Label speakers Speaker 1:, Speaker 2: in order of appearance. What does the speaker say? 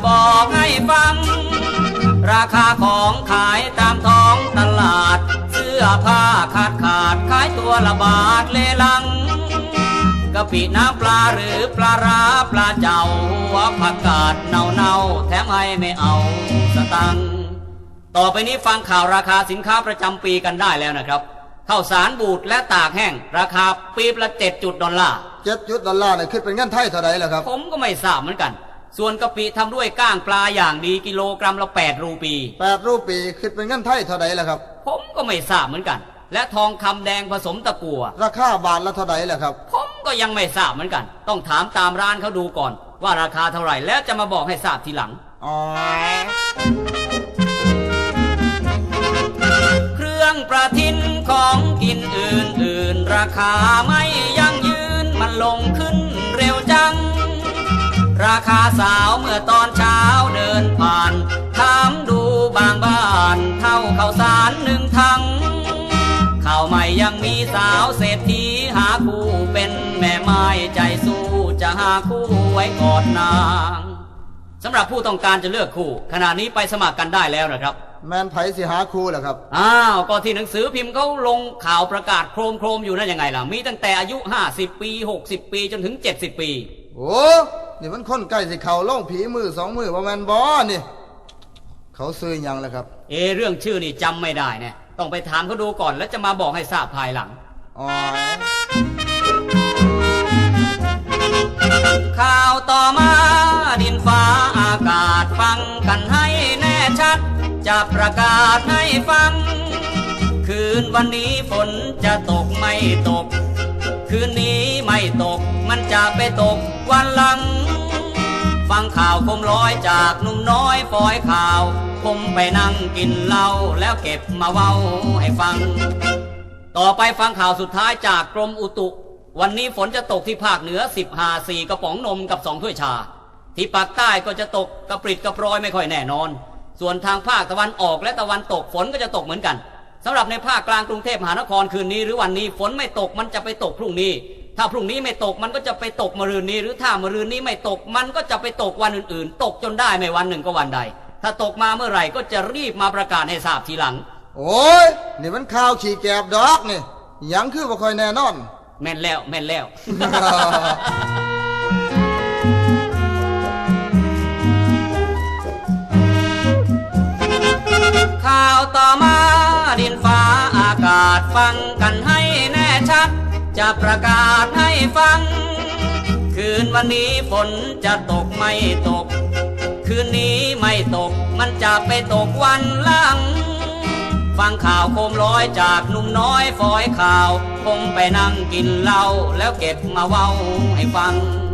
Speaker 1: บอกให้ฟังราคาของขายตามท้องตลาดเสื้อผ้าขาดขายตัวละบาทเลลังกะปิน้ำปลาหรือปลาร้าปลาเจ้าหัวผักกาดเนาแถมให้ไม่เอาสตังค์ต่อไปนี้ฟังข่าวราคาสินค้าประจำปีกันได้แล้วนะครับข้าวสารบูดและตากแห้งราคาปีละ$7
Speaker 2: เนี่ยคิดเป็นเงินไทยเท่าไหร่ล่ะครับ
Speaker 1: ผมก็ไม่ทราบเหมือนกันส่วนกะปิทำด้วยก้างปลาอย่างดีกิโลกรัมละ8 รูปี
Speaker 2: คิดเป็นเงินไทยเท่าไหร่ล่ะครับ
Speaker 1: ผมก็ไม่ทราบเหมือนกันและทองคำแดงผสมตะกั่ว
Speaker 2: ราคาบาทละเท่าไหร่ล่ะครับ
Speaker 1: ผมก็ยังไม่ทราบเหมือนกันต้องถามตามร้านเขาดูก่อนว่าราคาเท่าไหร่แล้วจะมาบอกให้ทราบทีหลังเครื่องประทินของกินอื่นราคาไม่ยั่งยืนมันลงขึ้นเร็วจังราคาสาวเมื่อตอนเช้าเดินผ่านถามดูบางบ้านเท่าข้าวสาร1 ถังข้าวใหม่ยังมีสาวเศรษฐีหาคู่เป็นแม่ไม้ใจสู้จะหาคู่ไว้กอดนางสำหรับผู้ต้องการจะเลือกคู่ขณะนี้ไปสมัครกันได้แล้วนะครับ
Speaker 2: แมนไผสิหาคู่เหรอครับ
Speaker 1: ก็ที่หนังสือพิมพ์เขาลงข่าวประกาศโครมอยู่นั่นยังไงล่ะมีตั้งแต่อายุ50 ปี60 ปีจนถึง70 ปี
Speaker 2: โอ้นี่มันคนใกล้สิเขาล่องผีมือ2 มือว่าแมนบอนี่เขาซื้อยังล่ะครับ
Speaker 1: เรื่องชื่อนี่จำไม่ได้เนี่ยต้องไปถามเขาดูก่อนแล้วจะมาบอกให้ทราบภายหลังข่าวต่อมาดินฟ้าอากาศฟังกันให้แน่ชัดจะประกาศให้ฟังคืนวันนี้ฝนจะตกไม่ตกคืนนี้ไม่ตกมันจะไปตกวันหลังฟังข่าวคมร้อยจากหนุ่มน้อยฟอยข่าวผมไปนั่งกินเหล้าแล้วเก็บมาเว้าให้ฟังต่อไปฟังข่าวสุดท้ายจากกรมอุตุวันนี้ฝนจะตกที่ภาคเหนือ4 กระป๋องนมกับ2 ถ้วยชาที่ภาคใต้ก็จะตกกระปริดกระปรอยไม่ค่อยแน่นอนส่วนทางภาคตะวันออกและตะวันตกฝนก็จะตกเหมือนกันสำหรับในภาคกลางกรุงเทพมหานครคืนนี้หรือวันนี้ฝนไม่ตกมันจะไปตกพรุ่งนี้ถ้าพรุ่งนี้ไม่ตกมันก็จะไปตกมะรืนนี้หรือถ้ามะรืนนี้ไม่ตกมันก็จะไปตกวันอื่นๆตกจนได้ไม่วันหนึ่งก็วันใดถ้าตกมาเมื่อไหร่ก็จะรีบมาประกาศให้ทราบทีหลัง
Speaker 2: โอ้ยนี่มันข่าวขี่แกบดอกนี่ยังคือบ่ค่อยแน่นอน
Speaker 1: แม่นแล้ว ข่าวต่อมาดินฟ้าอากาศฟังกันให้แน่ชัดจะประกาศให้ฟังคืนวันนี้ฝนจะตกไม่ตกคืนนี้ไม่ตกมันจะไปตกวันหลังฟังข่าวโคมร้อยจากหนุ่มน้อยฟอยข่าวคงไปนั่งกินเหล้าแล้วเก็บมาเว้าให้ฟัง